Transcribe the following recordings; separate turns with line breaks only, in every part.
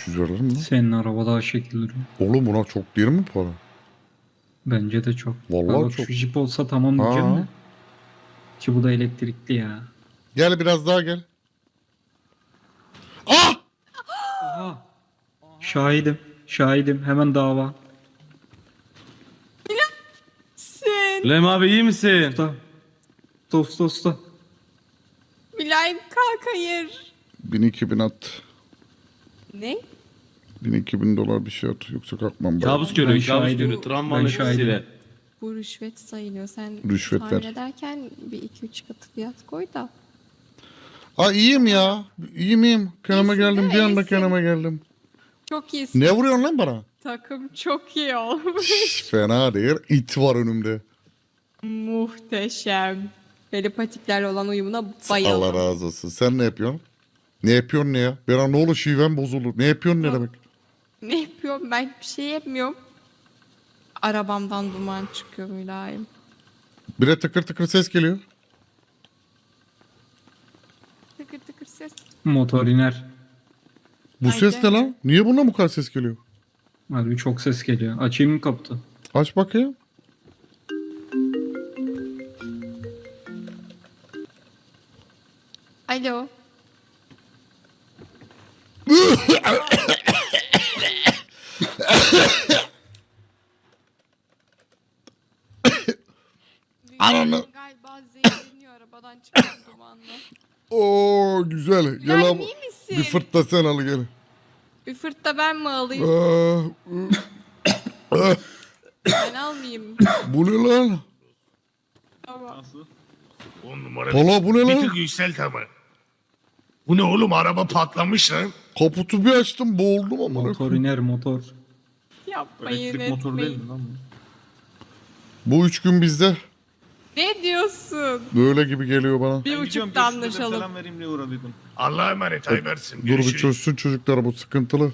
300 verilir mi?
Senin araba daha şekil duruyor.
Oğlum buna çok değil mi para?
Bence de çok.
Vallahi
Bak
çok.
şu Jeep olsa tamam diyeceğim
Ha.
de. Ki bu da elektrikli ya.
Gel biraz daha gel. Ah!
Aha. Şahidim. Şahidim. Hemen dava.
Sen.
Lem abi iyi misin?
Usta. Usta.
Mülayim kalk hayır.
1000-2000 at.
Ne?
1000-2000 dolar bir şey at. Yoksa kalkmam.
Kabus
Ben
görüyor, kabus
şahidim.
görüyor. Travmanın
Ben şahidim.
etkisiyle.
Bu rüşvet sayılıyor. Sen
Rüşvet
tahmin
ver.
ederken bir 2-3 katı fiyat koy da.
Aa iyiyim ya. İyiyim. Kendime
İyisin
geldim.
değil mi?
Bir anda
İyisin.
kendime geldim.
Çok iyisin.
Ne vuruyorsun lan bana?
Takım çok iyi olmuş.
Şş, fena değil. İt var önümde.
Muhteşem. Telepatiklerle olan uyumuna bayıldım.
Allah razı olsun. Sen ne yapıyorsun? Ne yapıyorsun ne ya? Bir ne olur şiven bozulur. Ne yapıyorsun ne demek?
Ne yapıyorum? Ben bir şey yapmıyorum. Arabamdan duman çıkıyor Mülayim.
Bir de tıkır tıkır ses geliyor.
Tıkır tıkır ses.
Motor iner.
Bu
Ay,
ses ne
gelme.
lan? Niye buna bu kadar ses geliyor?
Harbi çok ses geliyor. Açayım mı kaputu?
Aç bakayım.
Alo.
Ananı.
Galiba zehirleniyor arabadan çıkan dumanla.
Oo güzel. Gel
Mülayim
abi.
iyi misin?
Bir fırt da sen al gel.
Bir fırt da ben mi alayım?
Aa,
Ben almayayım.
bu ne lan?
Tamam.
10 numara.
Valla bu ne
Bir
lan?
tık yükselt ama. Bu ne oğlum, araba patlamış lan.
Kaputu bir açtım boğuldum ama.
Motor iner motor.
Yapmayın
Elektrik motoru değil
etmeyin.
mi lan bu?
Bu 3 gün bizde.
Ne diyorsun?
Böyle gibi geliyor bana.
Bir buçukta anlaşalım.
Selam vereyim diye uğradıydım.
Allah'a emanet, Aybersin.
Dur bir
Görüşürüz.
çözsün çocuklar, bu sıkıntılı.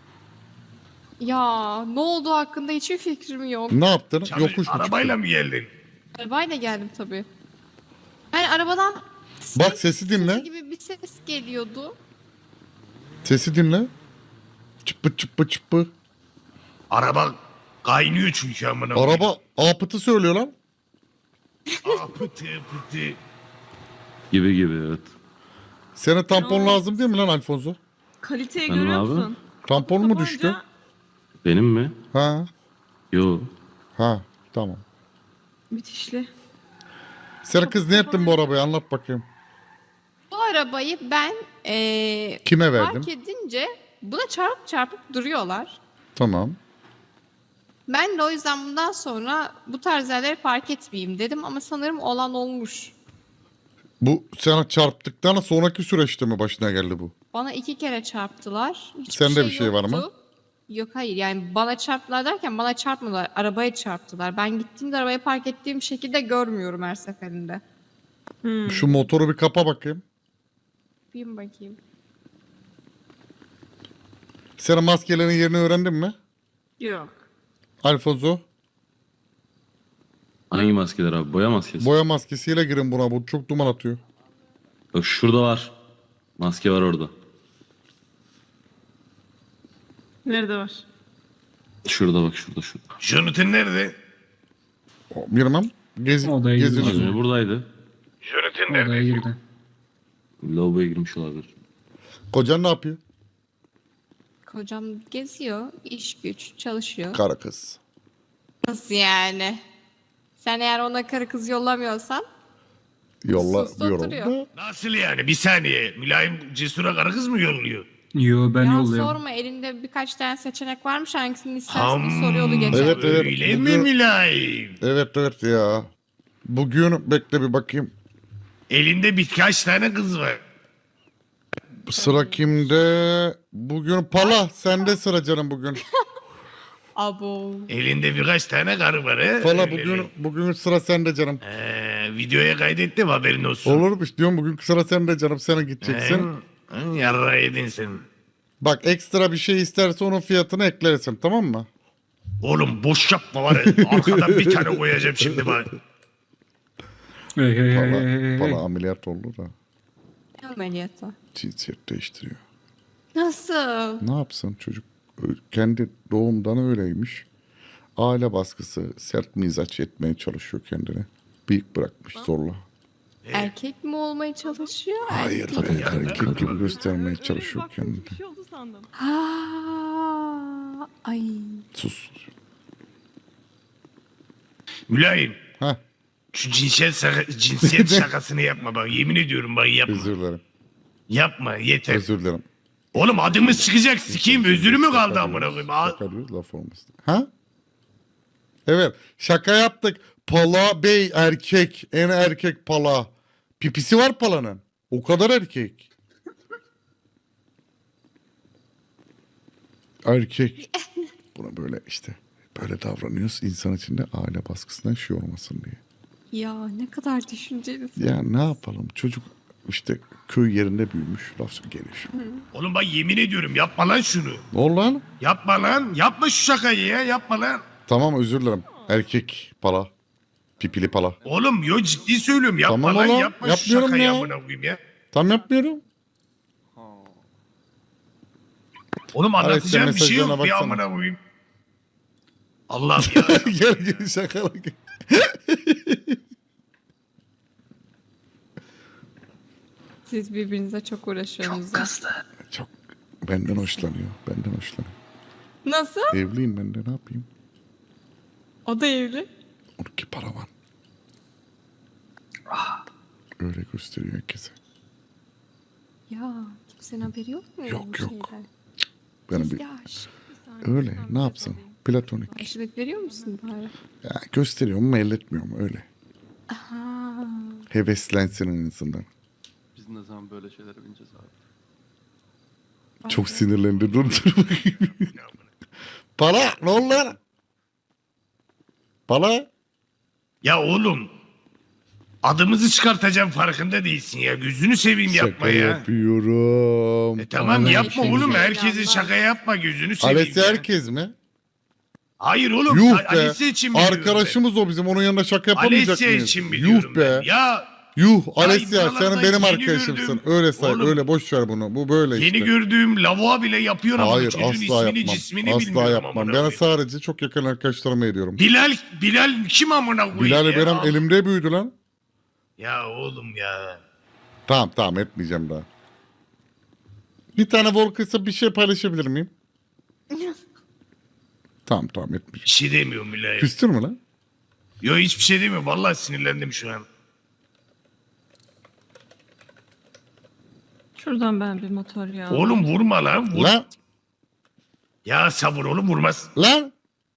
Ya ne olduğu hakkında hiçbir fikrim yok.
Ne yaptın?
Çalış-
Yokuş mu
Arabayla
çıktın?
mı geldin?
Arabayla geldim tabii. Yani arabadan
Bak sesi dinle.
sesi gibi bir ses geliyordu.
Sesi dinle. Çıppı çıppı çıppı.
Araba kaynıyor çünkü amına. koyayım.
Araba apıtı söylüyor lan.
Aa, pıtı pıtı.
Gibi evet.
Sana tampon lazım değil mi lan Alfonso?
Kaliteyi
Benim
görüyor
abi.
musun?
Tampon mu
Tabanca
düştü?
Benim mi?
Ha.
Yo.
Ha tamam.
Müthişli.
Sen kız ne yaptın bu arabayı, anlat bakayım.
Bu arabayı ben
Kime verdin?
fark edince buna çarpıp duruyorlar.
Tamam.
Ben de o yüzden bundan sonra bu tarz yerleri park etmeyeyim dedim ama sanırım olan olmuş.
Bu sana çarptıktan sonraki süreçte mi başına geldi bu?
Bana 2 kere çarptılar. Hiçbir
Sende bir şey var mı?
yoktu. Yok hayır, yani bana çarptılar derken bana çarpmadılar. Arabaya çarptılar. Ben gittiğimde arabayı park ettiğim şekilde görmüyorum her seferinde.
Şu motoru bir kapa bakayım.
Bir bakayım.
Senin maskelerin yerini öğrendin mi?
Yok.
Alfonso,
Hangi maskeler abi? Boya maskesi.
boya maskesiyle girin buna, bu çok duman atıyor.
Bak şurada var. Maske var orada.
Nerede var?
Şurada bak şurada.
Jonathan nerede?
Bilmem.
Odaya
Gezin.
girdi.
Az önce buradaydı.
Jonathan
Odaya
nerede?
girdi.
Lavaboya girmiş olabilir.
Kocan ne yapıyor?
Kocam geziyor, iş güç, çalışıyor.
Kara kız.
Nasıl yani? Sen eğer ona karı kız yollamıyorsan
Yolla
sus
diyorum.
oturuyor.
Nasıl yani? Bir saniye. Mülayim Cesur'a karı kız mı yolluyor?
Yo ben
ya
yolluyorum.
sorma, elinde birkaç tane seçenek varmış, hangisini istersen bir soruyordu geçen.
Evet, evet.
Öyle mi
Bugün-
Mülayim?
Evet ya. Bugün bekle bir bakayım.
Elinde birkaç tane kız var.
Sıra kimde? Bugün Pala. Sende sıra canım bugün.
Abo.
Elinde birkaç tane karı var he?
Pala
Öyle
bugün
mi?
bugün sıra sende canım.
Videoya kaydettim, haberin olsun.
Olurmuş diyorum, bugün sıra sende canım. Sana gideceksin.
Yarra yedin sen.
Bak ekstra bir şey isterse onun fiyatını eklersin, tamam mı?
Oğlum boş yapma var ya. Arkadan bir tane koyacağım şimdi bak.
Hey.
Pala ameliyat oldu da
Ne ameliyatı?
cinsiyet değiştiriyor.
Nasıl?
Ne yapsın çocuk? Kendi doğumdan öyleymiş. Aile baskısı, sert mizaç etmeye çalışıyor kendini. Bıyık bırakmış zorla.
Erkek mi olmaya çalışıyor?
Hayır
erkek mi?
be, erkek gibi göstermeye
Öyle bir
çalışıyor
baktım,
kendini.
Bir şey oldu sandım.
Ha, ay.
Sus.
Mülayim.
Heh,
Şu cinsiyet şakasını yapma bak. Yemin ediyorum bak yapma.
özür dilerim.
Yapma yeter.
Özür dilerim.
Oğlum adımız çıkacak sikeyim. Özürü mü kaldı amına koyayım?
Şaka diyoruz, laf olmasın. Ha? Evet, şaka yaptık. Pala Bey erkek, en erkek pala. Pipisi var palanın. O kadar erkek. Erkek. Buna böyle işte böyle davranıyoruz insan içinde aile baskısından şey olmasın diye.
Ya ne kadar düşüncelisin.
Ya ne yapalım çocuk işte köy yerinde büyümüş laf geliş.
Oğlum bak yemin ediyorum yapma lan şunu.
Ne oldu lan?
Yapma lan. Yapma şu şakayı ya. Yapma lan.
Tamam özür dilerim. Erkek pala. Pipili pala.
Oğlum yo ciddi söylüyorum. Yapma
Tamam
lan.
oğlum,
Yapma şu
yapmıyorum
şakayı
ya.
amına koyayım ya.
Tam yapmıyorum.
Oğlum
Hadi
anlatacağım bir şey yok.
mesajlarına
Bir
baksana.
amına koyayım. Allah'ım ya.
Gel gel şakala gel.
Siz birbirinize çok uğraşıyorsunuz ya.
Çok benden hoşlanıyor. Benden hoşlanıyor.
Nasıl?
Evliyim ben de ne yapayım?
O da evli.
Onunki paravan. Öyle gösteriyor herkese.
Ya kimsenin haberi yok mu?
Yok,
bu
yok.
şeyden?
Benim
Gizli
bir
aşk.
öyle ne yapsın? Platonik.
Karşılık veriyor musun bari?
Ya gösteriyor mu elletmiyor mu öyle.
Aha.
Heveslensin en azından.
Biz ne zaman böyle şeylere bineceğiz abi?
Çok sinirlendi. Dur dur bakayım. Para ne oldu lan? Para?
Ya oğlum. Adımızı çıkartacağım farkında değilsin ya. Gözünü seveyim yapma
Şaka
ya.
yapıyorum.
Tamam
Vallahi
yapma
şey
oğlum.
güzel.
Herkese şaka yapma. Gözünü seveyim
Alessi
ya.
herkes mi?
Hayır oğlum.
Yuh be.
Alessi için biliyorum
Arkadaşımız o bizim. Onun yanında şaka
ben.
yapamayacak
Alessi
mıyız?
için biliyorum
Yuh be.
ben. Ya
Yuh Alessia
buralarda
sen benim
yeni
arkadaşımsın.
gördüm.
Öyle say.
Oğlum,
öyle boş ver bunu. Bu böyle
yeni
işte.
gördüğüm lavuğa bile yapıyor ama
Hayır
çocuğun
asla
ismini
yapmam.
cismini
Asla
bilmiyorum
yapmam.
amına
Ben
koyayım.
sadece çok yakın arkadaşlarıma ediyorum.
Bilal kim amına koyayım
Bilal
ya?
benim elimde büyüdü lan.
Ya oğlum ya.
Tamam etmeyeceğim daha. Bir tane Volkıs'a bir şey paylaşabilir miyim? Tamam etmeyeceğim.
Bir şey demiyorum Bilal.
Küstür mü lan?
Yo hiçbir şey demiyorum. Vallahi sinirlendim şu an.
Şuradan ben bir motor ya.
Oğlum vurma lan. Vur.
Lan
Ya sabır oğlum vurmaz.
lan.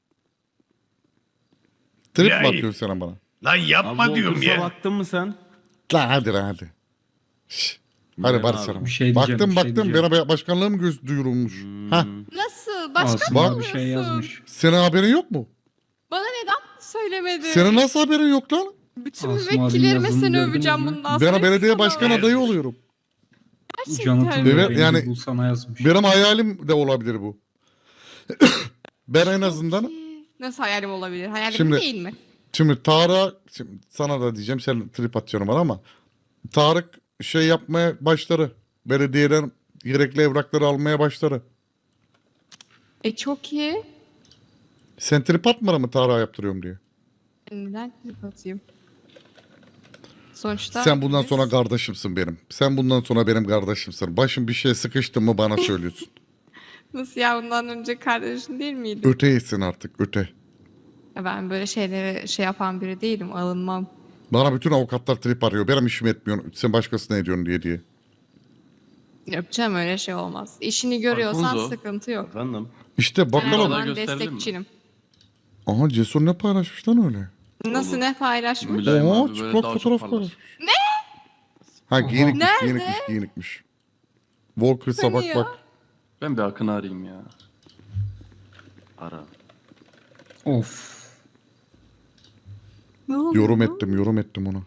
Trip mi
Bilal.
atıyorsun sen bana?
Lan yapma
Abi
diyorum
Volkers'a
ya.
baktın mı sen?
Lan hadi lan hadi. Şş. Hadi
Bilal
barışalım.
abi,
bir şey diyeceğim,
Baktım
bir şey diyeceğim.
bana başkanlığa mı duyurulmuş? Ha,
Nasıl? Başka
Asım
mı
abi bir şey
yapıyorsun?
yazmış.
senin haberin yok mu?
Bana neden söylemedin?
Senin nasıl haberin yok lan?
Bütün
Asım abinin
müvekkillerime
yazını
seni
gördünüz
öveceğim
mü?
bundan
Ben
sonra.
belediye
Sana
başkan
öyle.
adayı oluyorum.
Gerçekten.
Evet,
Evet
yani-
Bu sana yazmış.
Benim hayalim de olabilir bu. Ben en azından
Nasıl hayalim olabilir? Hayalim
Şimdi-
değil mi?
şimdi şimdi sana da diyeceğim sen trip atacaksın bana ama Tarık şey yapmaya başladı. Belediyeden gerekli evrakları almaya başladı.
Çok iyi.
Sen trip atmadın mı Tarık'a yaptırıyorum diye.
Neden trip atayım? Sonuçta
Sen bundan
biz-
sonra kardeşimsin benim. Sen bundan sonra benim kardeşimsin. Başım bir şeye sıkıştı mı bana söylüyorsun.
Nasıl ya, bundan önce kardeşin değil miydin?
Öteyesin artık öte.
Ya ben böyle şeylere şey yapan biri değilim. Alınmam.
Bana bütün avukatlar trip arıyor. Benim işim etmiyor. Sen başkasına ediyorsun diye.
Yapacağım, öyle şey olmaz. İşini görüyorsan
Alfonso.
sıkıntı yok.
Efendim?
İşte
Her
bakalım.
Bana
zaman
gösterelim mi?
destekçinim.
Aha Cesur ne paylaşmış lan öyle?
Nasıl, ne paylaşmış?
Mülayim
Oha
abi böyle
çıplak
daha
fotoğraf
çok
paylaşmış.
parlar.
Ha giyinikmiş
Nerede?
giyinikmiş. Volkers'a
Hani
bak
ya?
bak.
Ben bir Akın'ı arayayım ya. Ara.
Of.
Ne oldu?
Yorum ettim ona.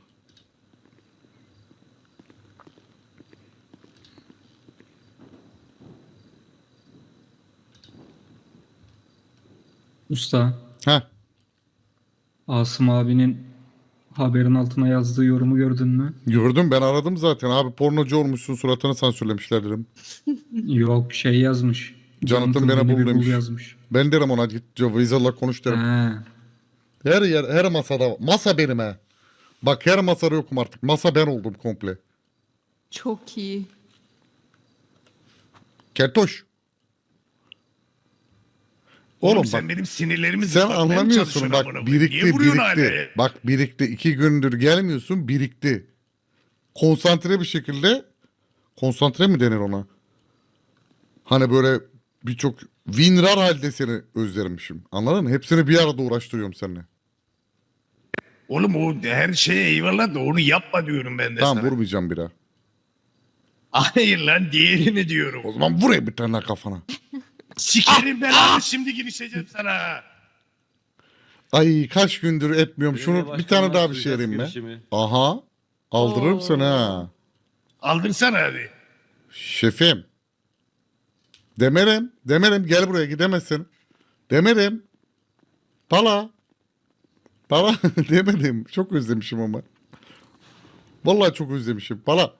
Usta.
Ha
Asım abinin Haberin altına yazdığı yorumu gördün mü?
Gördüm, ben aradım zaten. Abi pornocu olmuşsun, suratını sansürlemişler dedim.
Yok şey yazmış.
Jonathan beni
beni
bul
bir
demiş.
yazmış.
Ben derim ona, git Weasel'la konuş derim.
He.
Her yer, her masada. Masa benim he. Bak her masada yokum artık. Masa ben oldum komple.
Çok iyi.
Keltoş.
Oğlum,
Oğlum
sen
bak,
benim sinirlerimi
sen
zıplatmaya mı
anlamıyorsun
çalışıyorsun
bak,
amına koyayım? Niye
birikti
vuruyorsun hala
birikti.
ya?
Bak birikti, 2 gündür gelmiyorsun, birikti. Konsantre bir şekilde, konsantre mi denir ona? Hani böyle birçok winrar halde seni özlermişim. Anladın mı? Hepsini bir arada uğraştırıyorum seninle.
Oğlum o her şeye eyvallah da onu yapma diyorum ben de
Tamam,
sana.
vurmayacağım bir daha.
Hayır lan, diğerini diyorum.
O zaman vurayım bir tane kafana.
Sikerim belanı, şimdi girişeceğim sana.
Ay kaç gündür etmiyorum. Şunu
Belediye
bir tane
başkanına
daha bir şey
suikast
vereyim mi?
girişimi.
Aha. Aldırırım
Oo.
seni ha.
Aldırsana hadi.
Şefim. Demerim. Demerim, gel buraya, gidemezsin. Demerim. Pala. Pala demedim. Çok özlemişim ama. Vallahi çok özlemişim. Pala.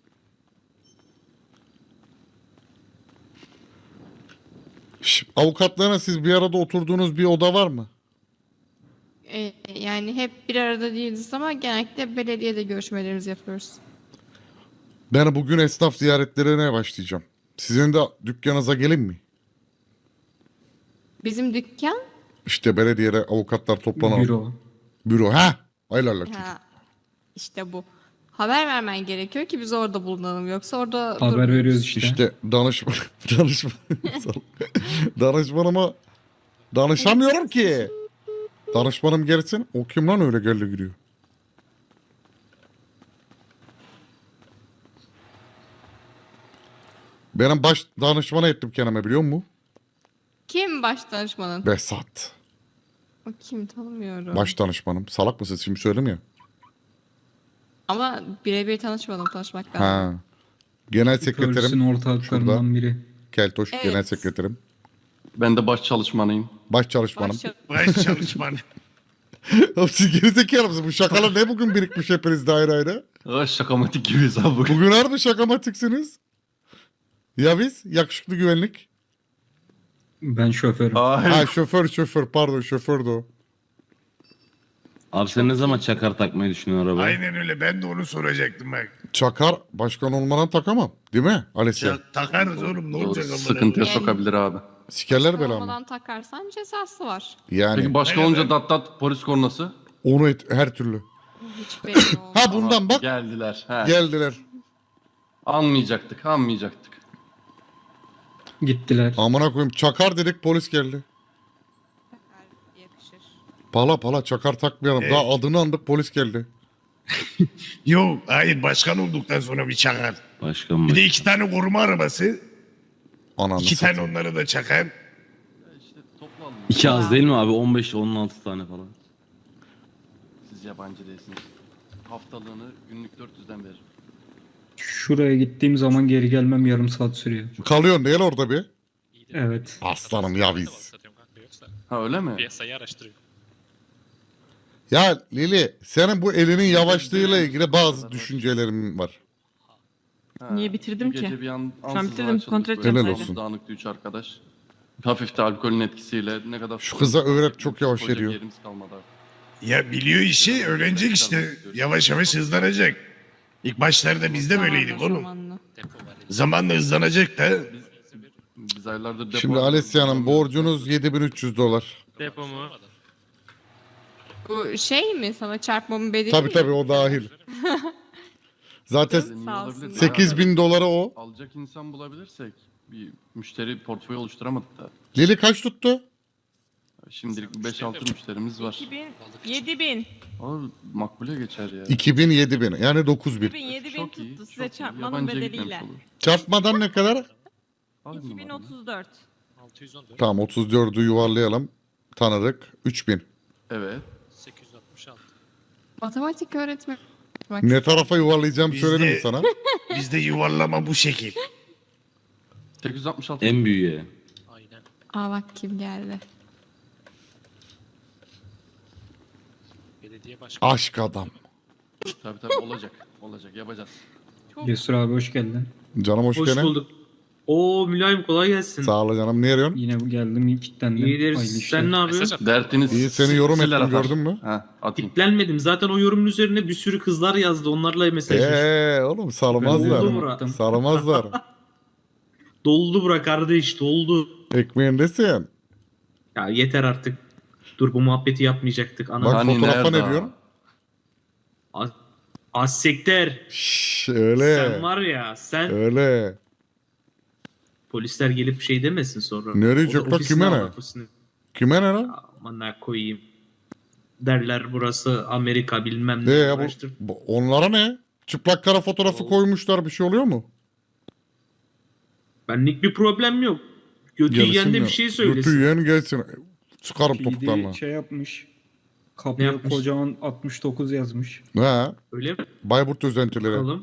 Avukatlarına siz bir arada oturduğunuz bir oda var mı?
Yani hep bir arada değiliz ama genellikle belediyede görüşmelerimizi yapıyoruz.
Ben bugün esnaf ziyaretlerine başlayacağım. Sizin de dükkanınıza gelin mi?
Bizim dükkan
İşte belediyede avukatlar toplanalım.
Büro.
Büro. Ha? Hayırlı çocuk.
ha, işte bu. Haber vermen gerekiyor ki biz orada bulunalım. Yoksa orada
Haber
durmuyoruz.
veriyoruz işte.
İşte danışmanıma danışamıyorum ki. Danışmanım gelsin. O kim lan öyle geldi gidiyor. Benim baş danışmana ettim kendime, biliyor musun?
Kim baş danışmanın?
Behzat.
O kim, tanımıyorum.
Baş danışmanım. Salak mısın? Şimdi söyleyeyim ya.
Ama birebir tanışmadım, tanışmak lazım.
Ha. Genel
Polisin
sekreterim.
ortaklarından biri.
Keltoş
Evet.
genel sekreterim.
Ben de baş çalışmanıyım.
Baş çalışmanım.
Baş-
Baş çalışman.
Oğlum siz gerizekalı mısınız? Bu şakalar ne bugün birikmiş hepiniz daire ayrı?
Şakamatik gibiyiz abi bugün.
Bugün harbi şakamatiksiniz. Ya biz? Yakışıklı güvenlik.
Ben şoförüm.
Hayır.
Ha şoför pardon, şofördü o.
Abi sen ne zaman çakar takmayı düşünüyorsun arabaya?
Aynen öyle, ben de onu soracaktım bak.
Çakar başkan olmadan takamam. Değil mi Alessia?
Ya, takarız oğlum, ne
Doğru,
olacak amına
sıkıntıya
Yani-
sokabilir abi.
Sikerler belamı.
Olmadan takarsan cezası var.
Yani
Peki başka
Aynen.
olunca dat polis kornası?
onu her türlü.
Hiç belli olmaz.
Ha bundan bak
Geldiler. He.
geldiler.
Anmayacaktık.
Gittiler.
Amına koyayım, çakar dedik, polis geldi.
Yakışır.
Pala çakar takmayalım. Daha adını andık, polis geldi.
Yok hayır, başkan olduktan sonra bir çakar.
Başkan
Bir de
baş.
2 tane koruma arabası.
Ananı
2 tane
satayım.
onları da çakar.
İşte toplu alın.
2 az değil mi abi? 15-16 tane falan.
Siz yabancı değilsiniz. Haftalığını günlük 400'den verir.
Şuraya gittiğim zaman geri gelmem yarım saat sürüyor.
Kalıyorsun değil orada bir.
Evet.
Aslanım ya biz.
Ha öyle mi?
Piyasayı araştırıyor.
Ya Lili, senin bu elinin yavaşlığıyla ilgili bazı düşüncelerim var.
Ha,
Niye bitirdim
bu gece
ki?
Bir an,
Şu an
ansızın
bitirdim,
açıldık
kontrol
böyle.
edeceğim Helal
sadece.
olsun.
Dağınıktı 3 arkadaş. Hafif de alkolün etkisiyle ne kadar...
Şu kıza öğret, çok yavaş
Koca bir
ediyor.
yerimiz kalmadı abi.
Ya biliyor işi, öğrenecek işte. Yavaş yavaş hızlanacak. İlk başlarda biz de böyleydik
Zamanla,
oğlum.
zamanla.
Depo var.
Zamanla hızlanacak da.
Biz aylardır depo...
Şimdi Alessia'nın borcunuz 7300 dolar.
Depo mu?
Bu şey mi, sana çarpmamın bedeli
Tabii
mi?
tabii, o dahil. Zaten
Sağ olsun.
8000 dolara o.
Alacak insan bulabilirsek bir müşteri portföyü oluşturamadık da.
Lili kaç tuttu?
Şimdilik 5-6 müşterimiz var.
2000, 7000.
Abi makbule geçer ya.
2000 7000 yani 9000.
7000, 7000
Çok iyi,
tuttu size
çok iyi.
çarpmanın
Yabancıya
bedeliyle.
gitmemiş olur.
Çarpmadan ne kadar?
Alayım numaranı.
2034.
614.
Tamam, 34'ü yuvarlayalım. Tanıdık. 3000.
Evet.
866.
Matematik öğretmeni. Bak,
Ne tarafa yuvarlayacağım
Bizde-
söyledim mi sana?
Bizde yuvarlama bu şekil.
866.
En büyüğe.
Aynen.
Aa bak kim geldi.
Belediye belediye başkanı.
Aşk adam.
Tabii olacak. Olacak yapacağız.
Cesur abi hoş geldin.
Canım hoş
Hoş
geldin.
bulduk. Oo Mülayim kolay gelsin.
Sağ ol canım. Ne arıyorsun?
Yine geldim kilitlendim.
İyidir.
Hayırlı işler.
Sen ne yapıyorsun?
Mesaj at.
Dertiniz
İyi, seni yorum
siller
ettim,
atar.
gördün mü?
Ha, atayım.
Kitlenmedim. Zaten o yorumun üzerine bir sürü kızlar yazdı. Onlarla mesajlaştık.
Oğlum
Ben
sarmazlar.
yorum
Murat.
attım.
Sarmazlar.
Doldu bura kardeş doldu.
Ekmeğindesin.
Ya yeter artık. Dur bu muhabbeti yapmayacaktık. Ana
Bak
Hani
fotoğrafa
nerede
ne diyorsun?
Az sekter.
Şşş öyle.
Sen var ya sen
Öyle.
polisler gelip şey demesin sonra.
Ne
O da
diyecek lan,
ofisine
kime ne?
al ofisine.
Kime ne lan?
Aman ne koyayım. Derler burası Amerika bilmem ne. Uğraştır.
Onlara ne? Çıplak kara fotoğrafı
Oo.
koymuşlar, bir şey oluyor mu?
Benlik bir problem yok. Götü yiyen de bir şey söylesin.
Götü yiyen gelsin. Çıkarım topuklarına.
PD şey yapmış. Kapıya
yapmış?
kocaman 69 yazmış.
Ha,
Öyle mi?
Bayburt özentileri.
Bakalım.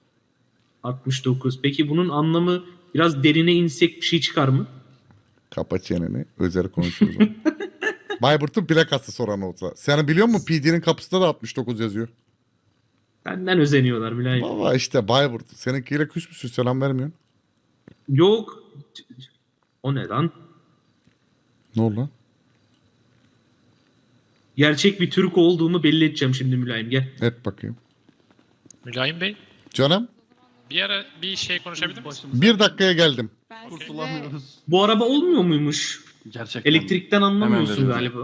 69. Peki bunun anlamı biraz derine insek bir şey çıkar mı?
Kapa çeneni. Özel konuşuyoruz. Bayburt'un plakası soran olsa. Sen biliyor musun PD'nin kapısında da 69 yazıyor.
Benden özeniyorlar Mülayim.
Baba işte Bayburt. Seninkiyle küs müsün? Selam vermiyorsun.
Yok. O ne lan?
Ne oldu lan?
Gerçek bir Türk olduğumu belli edeceğim şimdi Mülayim gel.
Et bakayım.
Mülayim Bey,
Canım
bir ara bir şey konuşabilir miyiz?
1 dakikaya geldim.
Ben size
Kurtulamıyoruz.
Bu araba olmuyor muymuş?
Gerçekten.
Elektrikten anlamıyorsun
veriyorum.
galiba.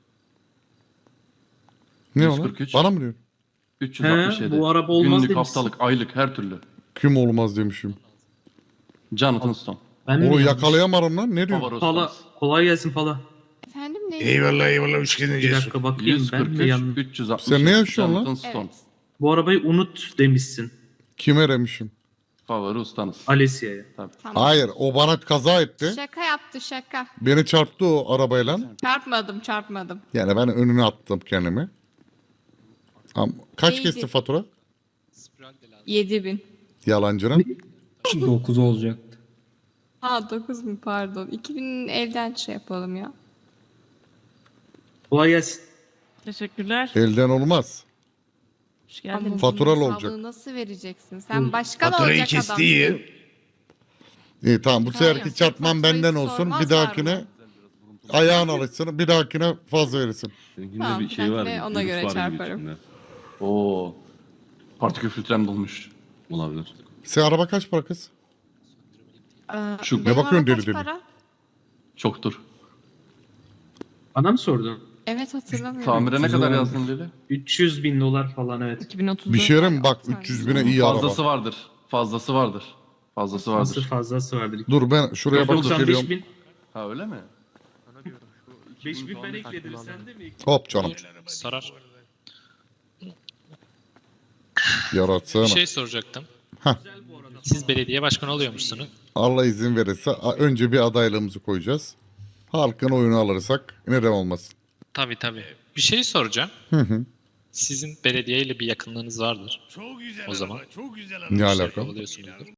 Ne o lan?
143.
Bana mı diyorsun?
367.
He, bu araba olmaz
Günlük,
demişsin.
haftalık, aylık her türlü.
Kim olmaz demişim.
Jonathan Stone.
Ben mi
Onu
yanlış?
yakalayamadım lan. Ne diyorsun?
Favori
Pala.
ustamız.
Kolay gelsin Pala.
efendim ne?
Eyvallah eyvallah hoş geldin
Bir
Cesur.
dakika bakayım ben mi
143,
yanlış?
360.
Sen ne yaşıyorsun lan?
Jonathan Stone.
Evet.
Bu arabayı unut demişsin
Kime demişim?
Favori ustanız.
Alessia'ya.
Tamam.
Hayır, o bana kaza etti.
Şaka yaptı şaka.
Beni çarptı o arabayla.
Çarpmadım.
Yani ben önüne attım kendimi. Ama kaç
Neydi?
kesti fatura?
Spiral de lazım.
7000.
Yalancının.
9 olacaktı.
Ha 9 mu pardon. 2000 evden şey yapalım ya.
Kolay gelsin.
Teşekkürler.
Elden olmaz.
Hoş
Ama
geldiniz.
Faturalı
bunun
olacak.
hesabını nasıl vereceksin? Sen başkan
Faturayı
olacak
kesti
adamsın.
iyi.
İyi tamam, bu
Hayır,
seferki çarpman
faturayı
benden olsun. Bir
sormazlar
dahakine
mı?
ayağın alışsın. Bir dahakine fazla verirsin.
Seninkinde
Tamam,
bir şey var.
ben de ona
virüs
göre
var gibi
çarparım.
içinde.
Oo. Partikül filtrem dolmuş.
Olabilir.
Sen araba kaç para kız?
Şu-
Ne
Benim
bakıyorsun
araba
deli
kaç
deli?
para?
Çoktur.
Bana mı sordun?
Evet hatırlamıyorum.
Tamire ne kadar
vardır.
yazdın Lili?
300 bin dolar falan evet.
2030'da.
Bir şey mi? Bak
Sen-
300 bine iyi
Fazlası
araba.
vardır. Fazlası vardır. Fazlası
Nasıl
vardır.
fazlası vardır.
Dur ben şuraya bak
95
geliyorum.
bin.
Ha öyle mi?
5 bin ben ekledim sen de mi ekledin?
Hop canım.
Sarar.
Yaratsana.
Bir şey soracaktım.
Hah.
Siz belediye başkanı oluyormuşsunuz.
Allah izin verirse önce bir adaylığımızı koyacağız. Halkın oyunu alırsak neden olmasın.
Tabii. Bir şey soracağım.
Hı hı.
Sizin belediyeyle bir yakınlığınız vardır.
Çok güzel
O zaman.
araba, çok güzel araba.
Ne
İşler
alaka?
kovalıyorsunuzdur.